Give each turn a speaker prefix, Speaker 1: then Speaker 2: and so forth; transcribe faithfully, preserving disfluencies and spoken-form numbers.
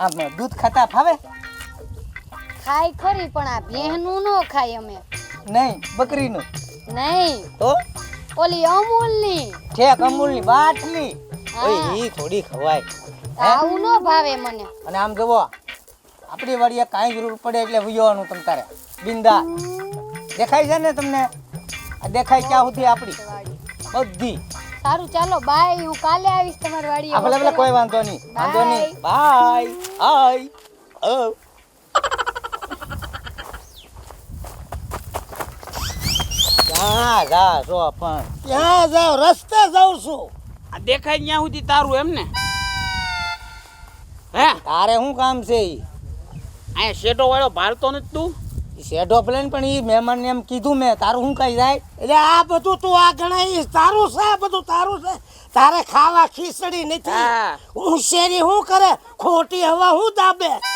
Speaker 1: આમ દૂધ ખાતા ફાવે?
Speaker 2: ખાય ખરી પણ આ ભેહનું નો ખાય અમે.
Speaker 1: નહીં, બકરીનું.
Speaker 2: નહીં,
Speaker 1: તો
Speaker 2: ઓલી અમૂલની.
Speaker 1: ઠેક અમૂલની બાટલી.
Speaker 2: હા.
Speaker 1: ઓય ઈ થોડી ખવાય.
Speaker 2: આવું નો ભાવે મને.
Speaker 1: અને આમ જુઓ, આપણી વાડીએ કાંઈ જરૂર પડે એટલે વિયોવાનું તમ તારે બિંદા. દેખાય છે ને તમને? આ દેખાય ક્યાં સુધી આપણી બધી.
Speaker 2: સારું ચાલો બાય, હું કાલે આવીશ તમારી વાડીએ.
Speaker 1: આ ભલે ભલે કોઈ વાંધો નહીં, વાંધો નહીં. બાય. હાય. ઓ ક્યાં જા છો પણ?
Speaker 3: ક્યાં જાવ? રસ્તે જાઉં છું.
Speaker 4: આ દેખાય ત્યાં સુધી તારું એમ ને? હે
Speaker 1: તારે શું કામ છે? ઈ
Speaker 4: અહીંયા શેઠો વાળો ભારતો નથી તું?
Speaker 1: ઈ શેઢો પ્લેન પણ ઈ મહેમાનને એમ કીધું મેં, તારું શું કઈ જાય?
Speaker 3: એટલે આ બધું તું આ ગણાય તારું છે, આ બધું તારું છે. તારે ખાવા ખીચડી નથી.
Speaker 4: હા.
Speaker 3: હું શેરી શું કરે? ખોટી હવા હું દાબે.